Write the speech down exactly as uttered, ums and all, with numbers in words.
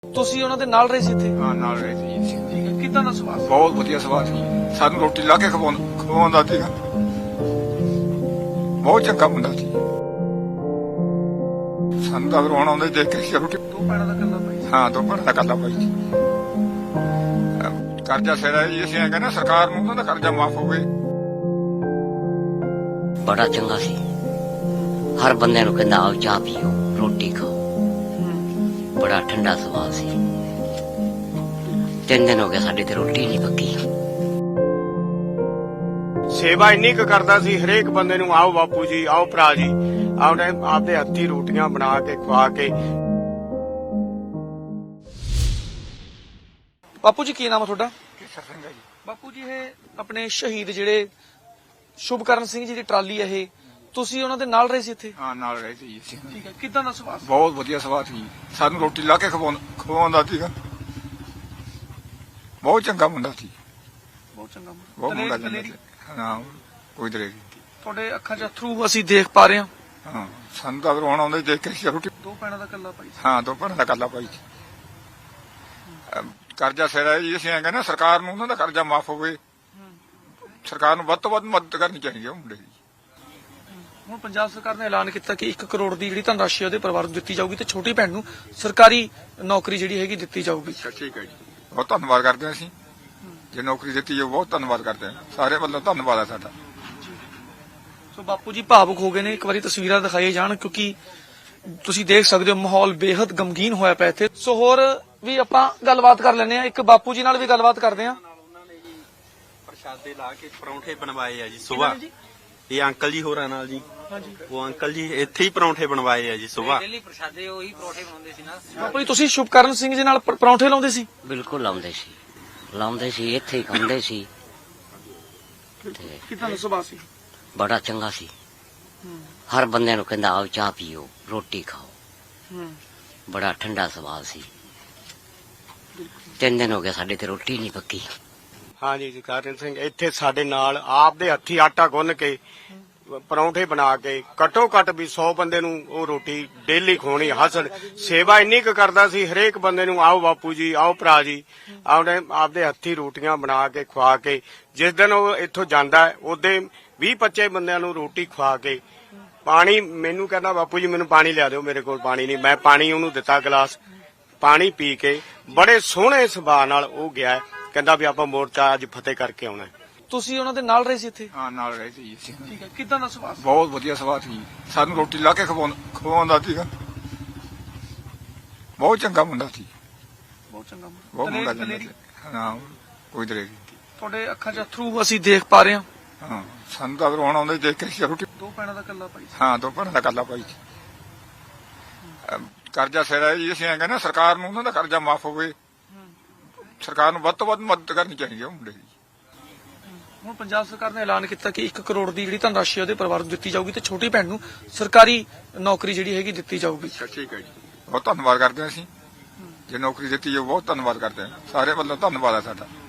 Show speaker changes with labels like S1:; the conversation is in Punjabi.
S1: ਤੁਸੀਂ ਉਹਨਾਂ ਦੇ ਨਾਲ ਰਹੇ ਸੀ ਇੱਥੇ?
S2: ਹਾਂ ਨਾਲ ਰਹੇ ਸੀ।
S1: ਠੀਕ ਹੈ, ਕਿੱਦਾਂ ਦਾ ਸੁਭਾਅ ਸੀ?
S2: ਬਹੁਤ ਵਧੀਆ ਸੁਭਾਅ ਸੀ। ਸਾਨੂੰ ਰੋਟੀ ਲਾ ਕੇ ਖਵਾਉਂ- ਖਵਾਉਂਦਾ ਸੀਗਾ। ਬਹੁਤ ਚੰਗਾ ਮੁੰਡਾ ਸੀ। ਸਾਨੂੰ ਤਾਂ ਰੋਣ ਆਉਂਦੇ ਦੇਖ ਕੇ ਰੋਟੀ।
S1: ਦੋ ਭੈਣਾਂ ਦਾ ਇਕੱਲਾ ਭਾਈ ਸੀ?
S2: ਹਾਂ ਦੋ ਭੈਣਾਂ ਦਾ ਇਕੱਲਾ ਭਾਈ ਸੀ। ਅਹ ਕਰਜ਼ਾ ਸਿਰ ਜੀ ਅਸੀਂ ਕਹਿੰਦੇ ਨਾ ਸਰਕਾਰ ਨੂੰ ਉਹਨਾਂ ਦਾ ਕਰਜ਼ਾ ਮਾਫ ਹੋਵੇ।
S3: ਬੜਾ ਚੰਗਾ ਸੀ। ਹਰ ਬੰਦੇ ਨੂੰ ਕਹਿੰਦਾ ਆਓ ਚਾਹ ਪੀਓ ਰੋਟੀ ਖਾਓ। ਬੜਾ ਠੰਡਾ ਸੁਭਾਅ ਸੀ। ਤਿੰਨ ਦਿਨ ਹੋ ਗਏ ਸਾਡੇ ਤੇ ਰੋਟੀ ਨਹੀਂ ਪੱਕੀ।
S4: ਸੇਵਾ ਇੰਨੀ ਕੁ ਕਰਦਾ ਸੀ ਹਰੇਕ ਬੰਦੇ ਨੂੰ, ਆਓ ਬਾਪੂ ਜੀ, ਆਓ ਭਰਾ ਜੀ, ਆਉਣੇ ਆਪਦੇ ਹੱਥੀਂ ਰੋਟੀਆਂ ਬਣਾ ਕੇ ਖਵਾ ਕੇ।
S1: ਬਾਪੂ ਜੀ ਕੀ ਨਾਮ ਹੈ ਤੁਹਾਡਾ?
S2: ਕੇਸਰ ਸਿੰਘ ਹੈ ਜੀ।
S1: ਬਾਪੂ ਜੀ ਇਹ ਆਪਣੇ ਸ਼ਹੀਦ ਜਿਹੜੇ ਸ਼ੁਭਕਰਨ ਸਿੰਘ ਜੀ ਦੀ ਟਰਾਲੀ ਹੈ, ਇਹ ਤੁਸੀਂ ਉਹਨਾਂ ਦੇ ਨਾਲ ਰਹੇ ਸੀ ਇੱਥੇ?
S2: ਹਾਂ ਨਾਲ ਰਹੇ ਸੀ ਅਸੀਂ।
S1: ਠੀਕ ਹੈ, ਕਿੱਦਾਂ ਦਾ ਸੁਭਾਅ ਸੀ?
S2: ਬਹੁਤ ਵਧੀਆ ਸੁਭਾਅ ਸੀ। ਸਾਨੂੰ ਰੋਟੀ ਲਾ ਕੇ ਖਵਾਉਂ- ਖਵਾਉਂਦਾ ਸੀਗਾ। ਬਹੁਤ ਚੰਗਾ ਮੁੰਡਾ ਸੀ।
S1: ਬਹੁਤ ਚੰਗਾ ਮੁੰਡਾ।
S2: ਬਹੁਤ ਮੁੰਡਾ
S1: ਦਲੇਰੀ-
S2: ਚੰਗਾ ਸੀ। ਹਾਂ ਕੋਈ ਦਲੇਰੀ ਨਹੀਂ।
S1: ਤੁਹਾਡੇ ਅੱਖਾਂ 'ਚ ਅਥਰੂ ਅਸੀਂ ਦੇਖ ਪਾ ਰਹੇ ਹਾਂ।
S2: ਹਾਂ ਸਾਨੂੰ ਤਾਂ ਰੋਣ ਆਉਂਦੇ ਦੇਖ ਕੇ ਰੋਟੀ।
S1: ਦੋ ਭੈਣਾਂ ਦਾ ਇਕੱਲਾ ਭਾਈ ਸੀ?
S2: ਹਾਂ ਦੋ ਭੈਣਾਂ ਦਾ ਇਕੱਲਾ ਭਾਈ ਸੀ। ਅਹ ਕਰਜ਼ਾ ਸਿਰ ਜੀ ਅਸੀਂ ਕਹਿੰਦੇ ਨਾ ਸਰਕਾਰ ਨੂੰ ਉਹਨਾਂ ਦਾ ਕਰਜ਼ਾ ਮਾਫ ਹੋਵੇ। ਸਰਕਾਰ ਨੂੰ ਵੱਧ ਤੋਂ ਵੱਧ ਮਦਦ ਕਰਨੀ ਚਾਹੀਦੀ ਹੈ ਮੁੰਡੇ ਦੀ।
S1: ਹੁਣ ਪੰਜਾਬ ਸਰਕਾਰ ਨੇ ਐਲਾਨ ਕੀਤਾ ਕਿ ਇੱਕ ਕਰੋੜ ਦੀ ਜਿਹੜੀ ਧਨਰਾਸ਼ੀ ਉਹਦੇ ਪਰਿਵਾਰ ਨੂੰ ਦਿੱਤੀ ਜਾਊਗੀ ਤੇ ਛੋਟੀ ਭੈਣ ਨੂੰ ਸਰਕਾਰੀ ਨੌਕਰੀ ਜਿਹੜੀ ਹੈਗੀ ਦਿੱਤੀ ਜਾਊਗੀ।
S2: ਠੀਕ ਹੈ ਜੀ। ਬਹੁਤ ਧੰਨਵਾਦ ਕਰਦੇ ਹਾਂ ਅਸੀਂ। ਜੇ ਨੌਕਰੀ ਦਿੱਤੀ ਜਾਊ ਬਹੁਤ ਧੰਨਵਾਦ ਕਰਦੇ ਹਾਂ। ਸਾਰੇ ਵੱਲੋਂ ਧੰਨਵਾਦ ਹੈ ਸਾਡਾ।
S1: ਸੋ ਬਾਪੂ ਜੀ ਭਾਵੁਕ ਹੋ ਗਏ ਨੇ। ਇੱਕ ਵਾਰੀ ਤਸਵੀਰਾਂ ਦਿਖਾਈਏ ਜਾਣ, ਕਿਉਂਕਿ ਤੁਸੀਂ ਦੇਖ ਸਕਦੇ ਹੋ ਮਾਹੌਲ ਬੇहद ਗਮਗੀਨ ਹੋਇਆ ਪਿਆ ਇੱਥੇ। ਸੋ ਹੋਰ ਵੀ ਆਪਾਂ ਗੱਲਬਾਤ ਕਰ ਲੈਂਦੇ ਆ। ਇੱਕ ਬਾਪੂ ਜੀ ਨਾਲ ਵੀ ਗੱਲਬਾਤ ਕਰਦੇ ਆ।
S5: ਉਹਨਾਂ ਨੇ ਜੀ ਪ੍ਰਸ਼ਾਦੇ ਲਾ ਕੇ ਪਰੌਂਠੇ ਬਣਵਾਏ ਆ ਜੀ ਸੁਬਾਹ। ਇਹ ਅੰਕਲ ਜੀ ਹੋਰਾਂ ਨਾਲ ਜੀ।
S1: ਹਾਂਜੀ
S5: ਉਹ ਅੰਕਲ ਜੀ ਇੱਥੇ ਹੀ ਪਰੌਂਠੇ ਬਣਵਾਏ ਆ ਜੀ ਸੁਬਾਹ।
S3: ਡੇਲੀ ਪ੍ਰਸ਼ਾਦੇ ਉਹੀ ਪਰੌਂਠੇ ਬਣਾਉਂਦੇ ਸੀ ਨਾ।
S1: ਬਾਪੂ ਜੀ ਤੁਸੀਂ ਸ਼ੁਭਕਰਨ ਸਿੰਘ ਜੀ ਨਾਲ ਪਰ- ਪਰੌਂਠੇ ਲਾਉਂਦੇ ਸੀ?
S3: ਬਿਲਕੁਲ ਲਾਉਂਦੇ ਸੀ ਲਾਉਂਦੇ ਸੀ ਇੱਥੇ ਹੀ ਖਾਂਦੇ ਸੀ। ਤੇ
S1: ਕਿੱਦਾਂ ਦਾ ਸੁਭਾਅ ਸੀ?
S3: ਬੜਾ ਚੰਗਾ ਸੀ। ਹਰ ਬੰਦੇ ਨੂੰ ਕਹਿੰਦਾ ਆਓ ਚਾਹ ਪੀਓ ਰੋਟੀ ਖਾਓ। ਬੜਾ ਠੰਡਾ ਸੁਭਾਅ ਸੀ। ਤਿੰਨ ਦਿਨ ਹੋ ਗਏ ਸਾਡੇ ਤੇ ਰੋਟੀ ਨਹੀਂ ਪੱਕੀ।
S4: ਹਾਂਜੀ ਜੀ ਕਰਨ ਸਿੰਘ ਇੱਥੇ ਸਾਡੇ ਨਾਲ ਆਪਦੇ ਹੱਥੀਂ ਆਟਾ ਗੁੰਨ ਕੇ ਪਰੌਂਠੇ ਬਣਾ ਕੇ ਘੱਟੋ ਘੱਟ ਵੀ ਸੌ ਬੰਦੇ ਨੂੰ ਉਹ ਰੋਟੀ ਡੇਲੀ ਖਵਾਉਣੀ। ਹਸਣ ਸੇਵਾ ਇੰਨੀ ਕੁ ਕਰਦਾ ਸੀ ਹਰੇਕ ਬੰਦੇ ਨੂੰ, ਆਓ ਬਾਪੂ ਜੀ, ਆਓ ਭਰਾ ਜੀ, ਆਉਣੇ ਆਪਦੇ ਹੱਥੀਂ ਰੋਟੀਆਂ ਬਣਾ ਕੇ ਖਵਾ ਕੇ। ਜਿਸ ਦਿਨ ਉਹ ਇੱਥੋਂ ਜਾਂਦਾ ਉਹਦੇ ਵੀਹ ਪੱਚੀ ਬੰਦਿਆਂ ਨੂੰ ਰੋਟੀ ਖਵਾ ਕੇ। ਪਾਣੀ ਮੈਨੂੰ ਕਹਿੰਦਾ ਬਾਪੂ ਜੀ ਮੈਨੂੰ ਪਾਣੀ ਲਿਆ ਦਿਓ, ਮੇਰੇ ਕੋਲ ਪਾਣੀ ਨਹੀਂ। ਮੈਂ ਪਾਣੀ ਉਹਨੂੰ ਦਿੱਤਾ ਗਲਾਸ, ਪਾਣੀ ਪੀ ਕੇ ਬੜੇ ਸੋਹਣੇ ਸੁਭਾਅ ਨਾਲ ਉਹ ਗਿਆ। ਕਹਿੰਦਾ ਵੀ ਆਪਾਂ ਮੋਰਚਾ ਅੱਜ ਫਤਿਹ ਕਰਕੇ ਆਉਣਾ।
S1: ਤੁਸੀਂ ਉਹਨਾਂ ਦੇ ਨਾਲ ਰਹੇ ਸੀ ਇੱਥੇ?
S2: ਹਾਂ ਨਾਲ ਰਹੇ ਸੀ ਅਸੀਂ।
S1: ਠੀਕ ਹੈ, ਕਿੱਦਾਂ ਦਾ ਸੁਭਾਅ ਸੀ?
S2: ਬਹੁਤ ਵਧੀਆ ਸੁਭਾਅ ਸੀ। ਸਾਨੂੰ ਰੋਟੀ ਲਾ ਕੇ ਖਵਾਉਂ- ਖਵਾਉਂਦਾ ਸੀਗਾ। ਬਹੁਤ ਚੰਗਾ ਮੁੰਡਾ ਸੀ।
S1: ਬਹੁਤ ਚੰਗਾ ਮੁੰਡਾ।
S2: ਬਹੁਤ ਮੁੰਡਾ
S1: ਦਲੇਰੀ-
S2: ਚੰਗਾ
S1: ਦਲੇਰੀ।
S2: ਸੀ। ਹਾਂ ਕੋਈ ਦਲੇਰੀ ਨਹੀਂ।
S1: ਤੁਹਾਡੇ ਅੱਖਾਂ 'ਚ ਅਥਰੂ ਅਸੀਂ ਦੇਖ ਪਾ ਰਹੇ ਹਾਂ।
S2: ਹਾਂ ਸਾਨੂੰ ਤਾਂ ਰੋਣ ਆਉਂਦੇ ਦੇਖ ਕੇ ਰੋਟੀ।
S1: ਦੋ ਭੈਣਾਂ ਦਾ ਇਕੱਲਾ ਭਾਈ ਸੀ?
S2: ਹਾਂ ਦੋ ਭੈਣਾਂ ਦਾ ਇਕੱਲਾ ਭਾਈ ਸੀ। ਅਹ ਕਰਜ਼ਾ ਸਿਰ ਜੀ ਅਸੀਂ ਕਹਿੰਦੇ ਨਾ ਸਰਕਾਰ ਨੂੰ ਉਹਨਾਂ ਦਾ ਕਰਜ਼ਾ ਮਾਫ ਹੋਵੇ। ਸਰਕਾਰ ਨੂੰ ਵੱਧ ਤੋਂ ਵੱਧ ਮਦਦ ਕਰਨੀ ਚਾਹੀਦੀ ਹੈ ਮੁੰਡੇ ਦੀ।
S1: ਹੁਣ ਪੰਜਾਬ ਸਰਕਾਰ ਨੇ ਐਲਾਨ ਕੀਤਾ ਕਿ ਇੱਕ ਕਰੋੜ ਦੀ ਜਿਹੜੀ ਧਨਰਾਸ਼ੀ ਉਹਦੇ ਪਰਿਵਾਰ ਨੂੰ ਦਿੱਤੀ ਜਾਊਗੀ ਤੇ ਛੋਟੀ ਭੈਣ ਨੂੰ ਸਰਕਾਰੀ ਨੌਕਰੀ ਜਿਹੜੀ ਹੈਗੀ ਦਿੱਤੀ ਜਾਊਗੀ।
S2: ਠੀਕ ਹੈ ਜੀ। ਬਹੁਤ ਧੰਨਵਾਦ ਕਰਦੇ ਹਾਂ ਅਸੀਂ। ਜੇ ਨੌਕਰੀ ਦਿੱਤੀ ਜਾਊ ਬਹੁਤ ਧੰਨਵਾਦ ਕਰਦੇ ਹਾਂ। ਸਾਰੇ ਵੱਲੋਂ ਧੰਨਵਾਦ ਹੈ ਸਾਡਾ।